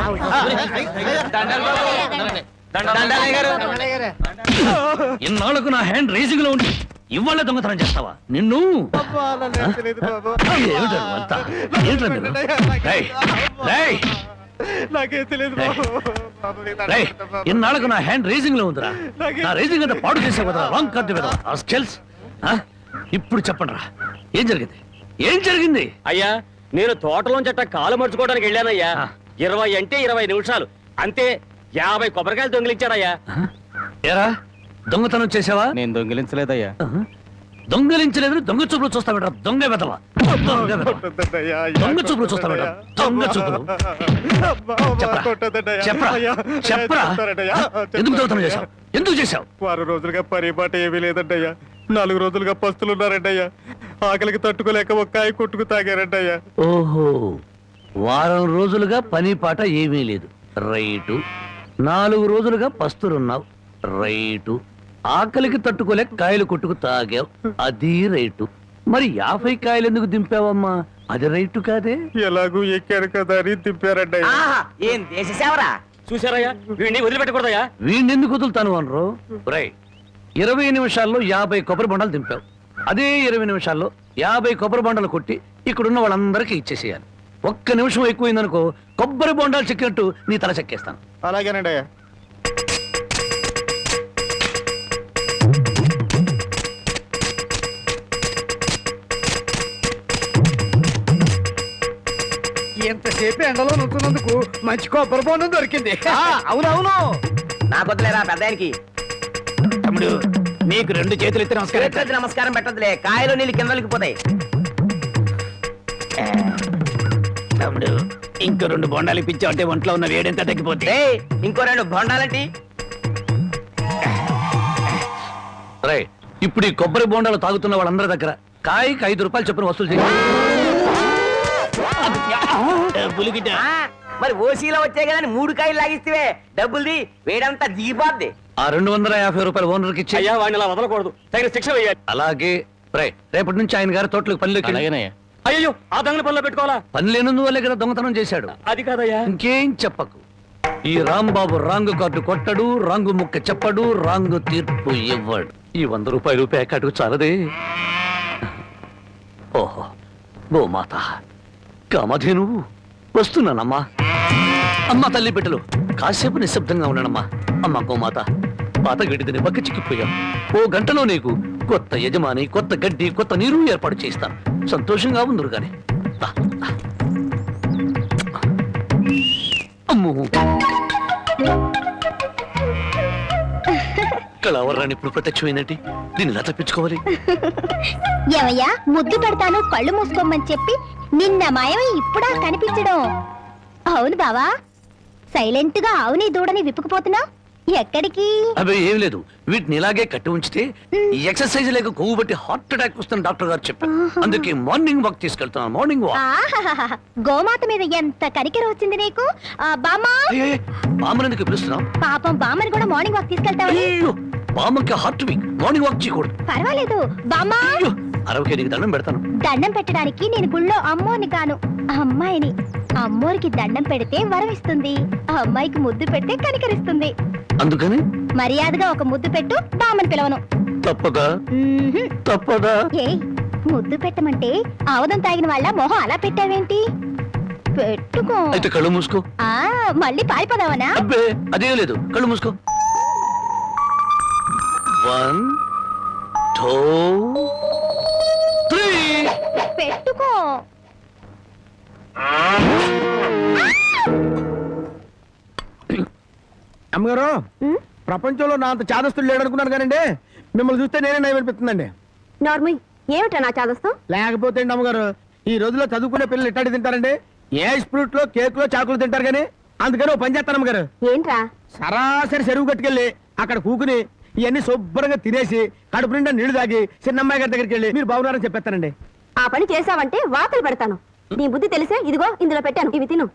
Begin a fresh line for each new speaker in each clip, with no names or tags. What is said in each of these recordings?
ఇన్నాళ్ళకు నా hand racing లో ఉండి ఇవాళ దొంగతనం చేస్తావా? నిన్ను ఇన్నాళ్ళకు నా హ్యాండ్ రేసింగ్ లో ఉందిరా. నా రేసింగ్ అంతా పాడు చేసే కదా రాంగ్ కార్డు కదా. ఇప్పుడు చెప్పండి రా, ఏం జరిగింది? ఏం జరిగింది?
అయ్యా, నేను తోటలోంచి అట్ట కాలు మర్చుకోవడానికి వెళ్ళానయ్యా. 20 అంటే 20 నిమిషాలు అంతే. 50 కొబ్బరికాయలు దొంగిలించాడయ్యా.
ఏరా, దొంగతనం చేసావా?
నేను దొంగిలించలేదయ్యా.
దొంగలించలేదు, దొంగ చూపులు చూస్తావేట. దొంగ వెదవా, దొంగ చూపులు చూస్తావేట. దొంగ చూపులు చెప్పరా, ఎందుకు దొంగతనం చేశావు? ఎందుకు చేశావు?
6 రోజులుగా పరిపాట ఏమీ లేదంటయ్యా. 4 రోజులుగా పస్తులున్నారంటయ్యా. ఆకలికి తట్టుకోలేక ఒక్కాయ కొట్టుకు తాగారంటయ్యా.
ఓహో, వారం రోజులుగా పని పాట ఏమీ లేదు, రైటు. 4 రోజులుగా పస్తులున్నావు, రైటు. ఆకలికి తట్టుకోలేక కాయలు కొట్టుకు తాగావు, అది రైటు. మరి 50 కాయలు ఎందుకు దింపావమ్మా? అది రైటు కాదే.
ఎలాగూ ఎక్కారు కదా అని దింపారంటయ్యా.
ఏం దేశ సేవరా చూసారయ్యా. వీడిని వదిలిపెట్టకూడదయ్యా.
వీడిని ఎందుకు వదులుతాను అనరు? రై, 20 నిమిషాల్లో 50 కొబ్బరి బొండాలు దింపావు. అదే 20 నిమిషాల్లో 50 కొబ్బరి బొండాలు కొట్టి ఇక్కడున్న వాళ్ళందరికీ ఇచ్చేసేయాలి. 1 నిమిషం ఎక్కువైందనుకో, కొబ్బరి బొండాలు చెక్కినట్టు నీ తల చెక్కేస్తాను.
అలాగేనండి అయ్యా.
ఎంతసేపు ఎండలో నుంచున్నందుకు మంచి కొబ్బరి బొండం దొరికింది.
అవునవును, నాకు వదిలేరా పెద్దానికి.
తమ్ముడు, నీకు 2 చేతులు ఎత్తి
నమస్కారం. నమస్కారం పెట్టదులే, కాయలు నీళ్ళు కిందలకి పోతాయి.
తమ్ముడు, ఇంకో 2 బొండాలు ఇప్పించావు అంటే ఒంట్లో ఉన్న వేడెంత తగ్గిపోతే.
ఇంకో 2 బొండాలంటి.
రై, ఇప్పుడు ఈ కొబ్బరి బొండాలు తాగుతున్న వాళ్ళందరి దగ్గర కాయకి 5 రూపాయలు చొప్పున వసూలు చేయాలి.
మరి ఓసీలో వచ్చాయి కదా 3 కాయలు లాగిస్తే డబ్బుల్ది వేడంతా దిగిపోద్ది.
ఆ 250 రూపాయలు ఓనర్కి ఇచ్చి.
అయ్యా, వాడిని అలా వదలకూడదు, తగిన శిక్ష వేయాలి.
అలాగే. రేపటి నుంచి ఆయన గారి తోటలకు పనిలోకి.
అయ్యో, ఆ దొంగల పనిలో పెట్టుకోవాలా?
పని లేనందువల్లే కదా దొంగతనం చేశాడు.
అది కాదయ్యా.
ఇంకేం చెప్పకు. ఈ రాంబాబు రాంగు కార్డు కొట్టడు, రాంగు ముక్క చెప్పడు, రాంగు తీర్పు ఇవ్వడు. ఈ 100 రూపాయలు ప్యాకెట్కు చాలదే. ఓహో, గోమాత కామధేను వస్తున్నానమ్మా. అమ్మ తల్లి బిడ్డలు కాసేపు నిశ్శబ్దంగా ఉన్నానమ్మా. అమ్మ గోమాత, పాత గడ్డిని పక్క చిక్కిపోయాం. 1 గంటలో నీకు కొత్త యజమాని, కొత్త గడ్డి, కొత్త నీరు ఏర్పాటు చేస్తాను. సంతోషంగా ఉందరు గాని. అమ్మో, కళావరాన్ని ఇప్పుడు ప్రత్యక్షమైనట్టు దీన్ని ఎలా తప్పించుకోవాలి?
ఏమయ్యా, ముద్దు పెడతాను కళ్ళు మూసుకోమని చెప్పి నిన్న మాయమై ఇప్పుడా కనిపించడం? అవును బావా, సైలెంట్ గా అవుని దూడని విప్పుకుపోతున్నా. ఎక్కడికి?
అవి ఏం లేదు, వీటిని ఇలాగే కట్టి ఉంచితే ఈ ఎక్సర్సైజ్ లేక కొవ్వు బట్టి హార్ట్ అటాక్ వస్తుంది డాక్టర్ గారు చెప్పారు. అందుకే మార్నింగ్ వాక్ తీసుకెళ్తున్నాను. Morning walk.
గోమాత మీద ఎంత కనికెర వచ్చింది నీకు. బామ్మా,
బామ్మని పిలుస్తున్నాం.
పాపం బామ్మని కూడా మార్నింగ్ వాక్ తీసుకెళ్తావని.
బామ్మకి హార్ట్ వీక్, మార్నింగ్ వాక్ చేయకూడదు.
పర్వాలేదు బామ్మా,
60 నీకు దండం పెడతాను.
దండం పెట్టడానికి నేను గుళ్ళో అమ్మోని కాను, అమ్మాయిని. అమ్మోరికి దండం పెడితే వరం ఇస్తుంది, అమ్మాయికి ముద్దు పెడితే కనికరిస్తుంది.
అందుకని
మర్యాదగా ఒక ముద్దు పెట్టు, బామ్మని పిలవను.
తప్పదా? తప్పదా?
ఏ ముద్దు పెట్టమంటే ఆవదం తాగిన వాళ్ళ మొహం అలా పెట్టావేంటి? పెట్టుకో.
అయితే కళ్ళు మూసుకో.
మళ్ళీ పారిపోదావనా?
అబ్బే, అదేం లేదు, కళ్ళు మూసుకో. 1 2 3
పెట్టుకో.
అమ్మగారు, ప్రపంచంలో నా అంత చాదస్తులు లేడనుకున్నాను కానండి, మిమ్మల్ని చూస్తే నేనే నయం అనిపిస్తుందండి.
నార్మల్, ఏమిటా నా చాదస్తం?
లేకపోతే అండి అమ్మగారు, ఈ రోజుల్లో చదువుకునే పిల్లలు ఎట్టాడి తింటారండి? ఏ స్ప్రూట్ లో, కేక్ లో, చాకులు తింటారు కానీ. అందుకని ఓ పని చేస్తాను అమ్మగారు.
ఏంట్రా?
సరాసరి చెరువు కట్టుకెళ్ళి అక్కడ కూకుని ఇవన్నీ శుభ్రంగా తినేసి కడుపు నిండా నీళ్లు తాగి చిన్నమ్మాయి గారి దగ్గరికి వెళ్ళి మీరు బాగున్నారని చెప్పేస్తానండి.
ఆ పని చేసావంటే వాతలు పెడతాను. నీ బుద్ధి తెలిసే ఇదిగో ఇందులో పెట్టాను, ఇవి తిను.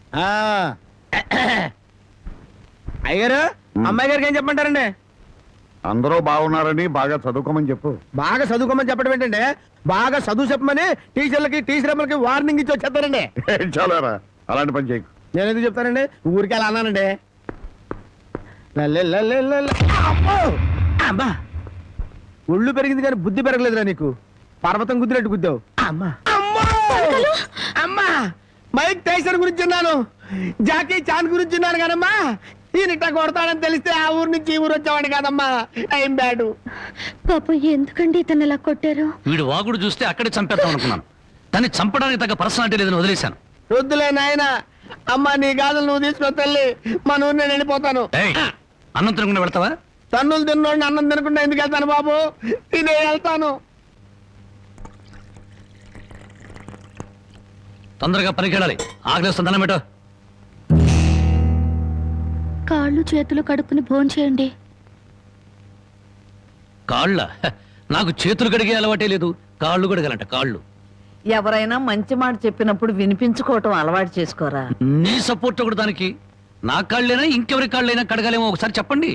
అయ్యారు, అమ్మాయి గారికి ఏం చెప్పమంటారండి?
అందరూ బాగున్నారని బాగా చదువుకోమని చెప్పు.
బాగా చదువుకోమని చెప్పడం ఏంటంటే, బాగా చదువు చెప్పమని టీచర్లకి టీచర్ అమ్మలకి వార్నింగ్ ఇచ్చి వచ్చేస్తారండి.
చాలారా, అలాంటి పని చేయకు.
నేను ఎందుకు చెప్తానండి ఊరికి అలా అన్నానండి లల్లే లల్లే లల్లే. అమ్మో! అమ్మా ఒళ్ళు పెరిగింది కానీ బుద్ధి పెరగలేదురా నీకు పర్వతం గుద్దినట్టు గుద్దావు అమ్మా అమ్మా అమ్మా మైక్ టైసన్ గురించి విన్నాను జాకీ చాన్ గురించి విన్నాను కానమ్మా ఈయనిట్ట కొడతాడని తెలిస్తే ఆ ఊరు నుంచి ఈ ఊరు వచ్చేవాడు కాదమ్మా టైం బ్యాడు
పాప ఎందుకండి ఇతను ఇలా కొట్టారు?
వీడు వాగుడు చూస్తే అక్కడే చంపేద్దాం అనుకున్నాను కానీ చంపడానికి తగ్గ పర్సనాలిటీ లేదని వదిలేశాను.
వద్దులే నాయన అమ్మా నీ గాజులు నువ్వు తీసుకుని తల్లి మన ఊరు నేను వెళ్ళిపోతాను.
ఏయ్, అన్నం తినకుండా వెళ్తావా?
తన్నులు తిన్నోడిని అన్నం తినకుండా ఎందుకు వెళ్తాను బాబు తినే వెళ్తాను.
తొందరగా పనికి వెళ్ళాలి. ఆకలిస్తుంది, అన్నం పెట్టు.
కాళ్ళు చేతులు కడుక్కుని భోంచేయండి.
కాళ్ళ నాకు చేతులు కడిగే అలవాటే లేదు, కాళ్ళు కడగాలంట. కాళ్ళు
ఎవరైనా మంచి మాట చెప్పినప్పుడు వినిపించుకోవటం అలవాటు చేసుకోరా.
నీ సపోర్ట్ ఒకటి దానికి. నా కాళ్ళైనా ఇంకెవరి కాళ్ళైనా కడగాలేమో ఒకసారి చెప్పండి.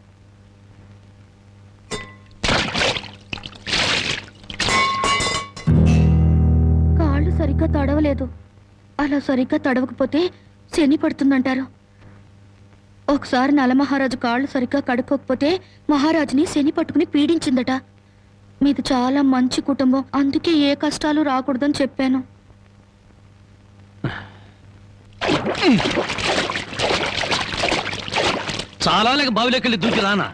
కాళ్ళు సరిగ్గా తడవలేదు. అలా సరిగ్గా తడవకపోతే శని పడుతుందంటారు. ఒకసారి నలమహారాజు కాళ్ళు సరిగ్గా కడుక్కోకపోతే మహారాజుని శని పట్టుకుని పీడించిందట. మీది చాలా మంచి కుటుంబం, అందుకే ఏ కష్టాలు రాకూడదని చెప్పాను.
చాలా లేక బావిలోకి దూకి రానా?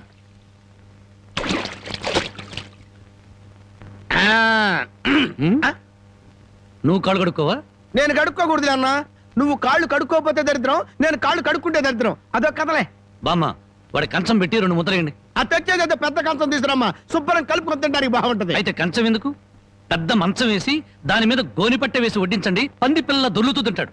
నువ్వు కాళ్ళు కడుక్కోవా?
నేను కడుక్కోకూడదు అన్న నువ్వు కాళ్ళు కడుక్కోపోతే దరిద్రం నేను కాళ్ళు కడుక్కుంటే దరిద్రం అదొక కథలే.
బామ్మ వాడి కంచం పెట్టి 2 ముద్రయండి.
అది తెచ్చేది పెద్ద కంచం తీసుకురమ్మా శుభ్రం కలుపుకొని తింటానికి బాగుంటది.
అయితే కంచం ఎందుకు, పెద్ద మంచం వేసి దాని మీద గోనిపట్ట వేసి వడ్డించండి. పంది పిల్ల దొర్లుతూ తింటాడు.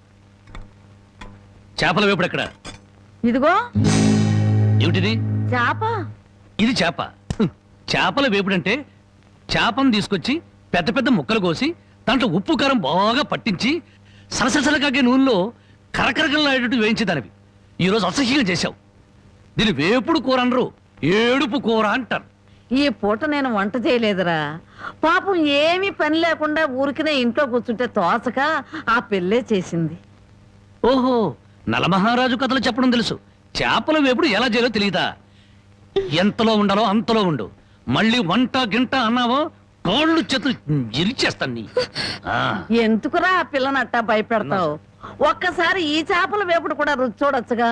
చేపల వేపుడు ఎక్కడ?
ఇదిగో
ఏమిటిది?
చేప.
ఇది చేప. చేపల వేపుడంటే చేపను తీసుకొచ్చి పెద్ద పెద్ద ముక్కలు కోసి దాంట్లో ఉప్పు కారం బాగా పట్టించి సలసలకాగే నూనెలో కరకరకలాడేటట్టు వేయించేదానివి. ఈరోజు అసహ్యంగా చేశావు. దీని వేపుడు కూర అనరు, ఏడుపు కూర అంటారు.
ఈ పూట నేను వంట చేయలేదురా. పాపం ఏమీ పని లేకుండా ఊరికినే ఇంట్లో కూర్చుంటే తోసక ఆ పెళ్ళే చేసింది.
ఓహో, నలమహారాజు కథలు చెప్పడం తెలుసు, చేపల వేపుడు ఎలా చేయాలో తెలియదా? ఎంతలో ఉండాలో అంతలో ఉండు. మళ్ళీ వంట గింట అన్నావో కాళ్ళు చేతులు ఇరిచేస్తాను నీ.
ఎందుకురా ఆ పిల్లని అట్టా భయపెడతావు? ఒక్కసారి ఈ చేపల వేపుడు కూడా రుచి చూడొచ్చుగా.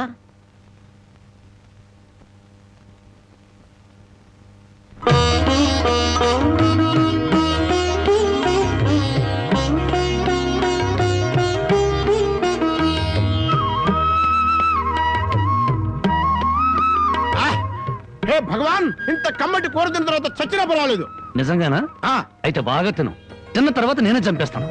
హే భగవాన్ ఇంత కమ్మటి కూర తిన్న తర్వాత చచ్చినా పర్వాలేదు.
నిజంగానా? అయితే బాగా తిను. తిన్న తర్వాత నేనే చంపేస్తాను.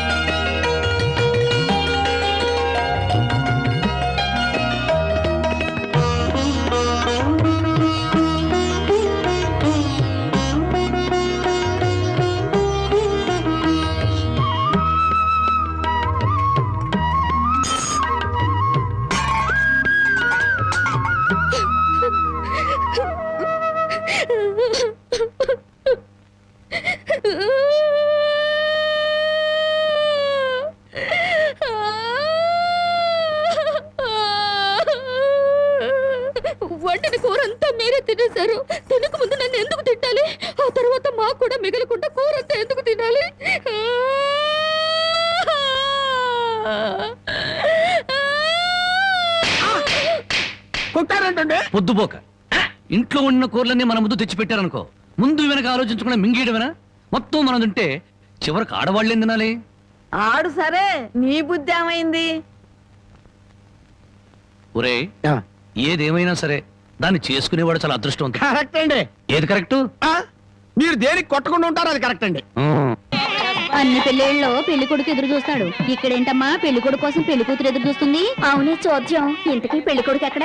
వండిన కూర అంతా మీరే తినేశారు. తినక ముందు నన్ను ఎందుకు తిట్టాలి? ఆ తర్వాత మాకు కూడా మిగలకుండా కూర అంతా ఎందుకు తినాలి?
కొట్టారంటే
పొద్దుపోక ఇంట్లో ఉన్న కూరలన్నీ మన ముందు తెచ్చిపెట్టారనుకో, ముందు వెనక ఆలోచించకుండా మింగేయడమేనా? మొత్తం మనం తింటే చివరికి ఆడవాళ్ళేం తినాలి?
ఆడు సరే, నీ బుద్ధి ఏమైంది?
ఒరే, ఏదేమైనా సరే దాన్ని చేసుకునేవాడు చాలా అదృష్టవంతుడు.
కరెక్ట్ అండి.
ఏది కరెక్ట్?
మీరు దేనికి కొట్టకుండా ఉంటారో అది కరెక్ట్ అండి.
అన్ని పెళ్ళిళ్ళలో పెళ్లి కొడుకు ఎదురు చూస్తాడు. ఇక్కడేంటమ్మా పెళ్లి కొడుకు కోసం పెళ్లి కూతురు ఎదురు చూస్తుంది? అవునే చోద్యం. ఇంతకీ పెళ్లి కొడుకు ఎక్కడ?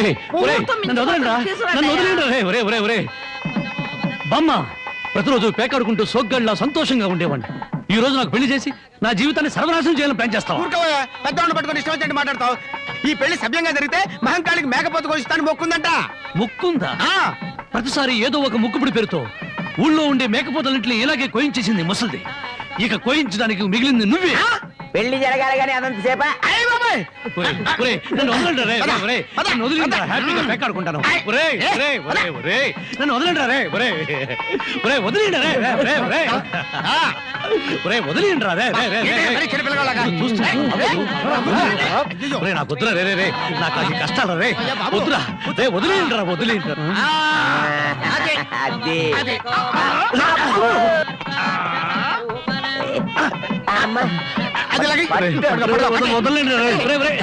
బామ్మ ప్రతిరోజు పేకాడుకుంటూ సోగ్గాళ్ళ సంతోషంగా ఉండేవాడిని. ఈ రోజు నాకు పెళ్లి చేసి నా జీవితాన్ని సర్వనాశనం చేయాలని ప్లాన్ చేస్తావా?
పెద్దవాళ్ళు పట్టుకొని ఇష్టం వచ్చినట్టు మాట్లాడతావు. ఈ పెళ్లి సభ్యంగా జరిగితే మహంకాళికి మేకపోతు కోసిస్తాను మొక్కుందంట.
ముక్కుందా? ప్రతిసారి ఏదో ఒక ముక్కుపుడి పేరుతో ఊళ్ళో ఉండే మేకపోతలన్నింటినీ ఇలాగే కోయించేసింది ముసలిది. ఇక కోయించడానికి మిగిలింది నువ్వే.
పెళ్లి జరగాలి కానీ అదంతసేపా?
అయ్య బాబా ఒరేయ్,
నన్ను వదలండి రే, రే, రే. నన్ను వదిలేండి రా, హ్యాపీగా పేకాడుకుంటాను. ఒరేయ్, ఒరేయ్, ఒరేయ్, ఒరేయ్. నన్ను వదలండి రే, ఒరేయ్. ఒరేయ్, వదిలేండి రే, రే, రే, ఒరేయ్. ఒరేయ్, వదిలేండి రా, రే, రే, రే, రే.
మరి చిన్నపిల్లగాళ్ళగా?
ఒరేయ్, నాకు వద్దురా రే, రే, రే. నాకు అది కష్టాలు రే. వద్దురా రే, వదిలేండి రా, వదిలేండి రా.
అది లాగి.
వదలండి రా, రే, రే.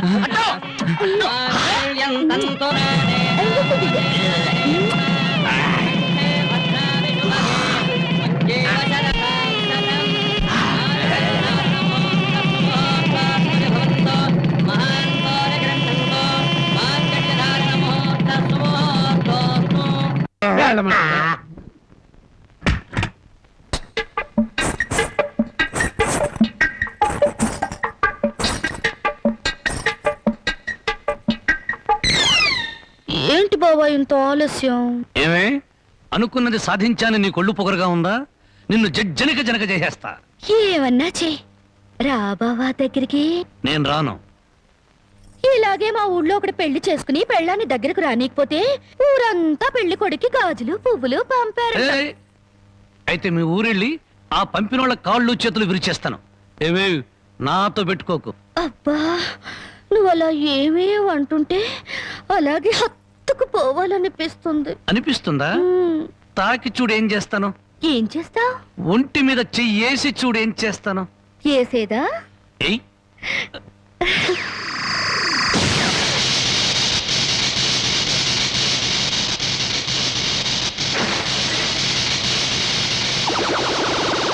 ఏంటి బావా ఇంత ఆలస్యం?
ఏమే అనుకున్నది సాధించాలని నీ కొళ్ళు పొగరుగా ఉందా? నిన్ను జనక జనక చేసేస్తా.
ఏమన్నా చే రా బావా దగ్గరికి.
నేను రాను.
ఇలాగే మా ఊళ్ళో ఒకటి పెళ్లి చేసుకుని పెళ్ళాన్ని దగ్గరకు రానికపోతే ఊరంతా పెళ్లి కొడుకి గాజులు పువ్వులు పంపారు.
ఏయ్, అయితే మీ ఊరెళ్ళి ఆ పంపినోళ్ళ కాళ్ళు చేతులు విరిచేస్తాను. ఏమే నాతో పెట్టుకోకు.
అబ్బా నువ్వు అలా ఏమీ అంటుంటే అలాగే హత్తుకు పోవాలనిపిస్తుంది.
అనిపిస్తుందా?
ఉమ్,
తాకి చూడు ఏం చేస్తాను.
ఏం చేస్తావ్?
ఒంటి మీద చెయ్యేసి చూడు ఏం చేస్తాను.
చేసేదా?
ఏయ్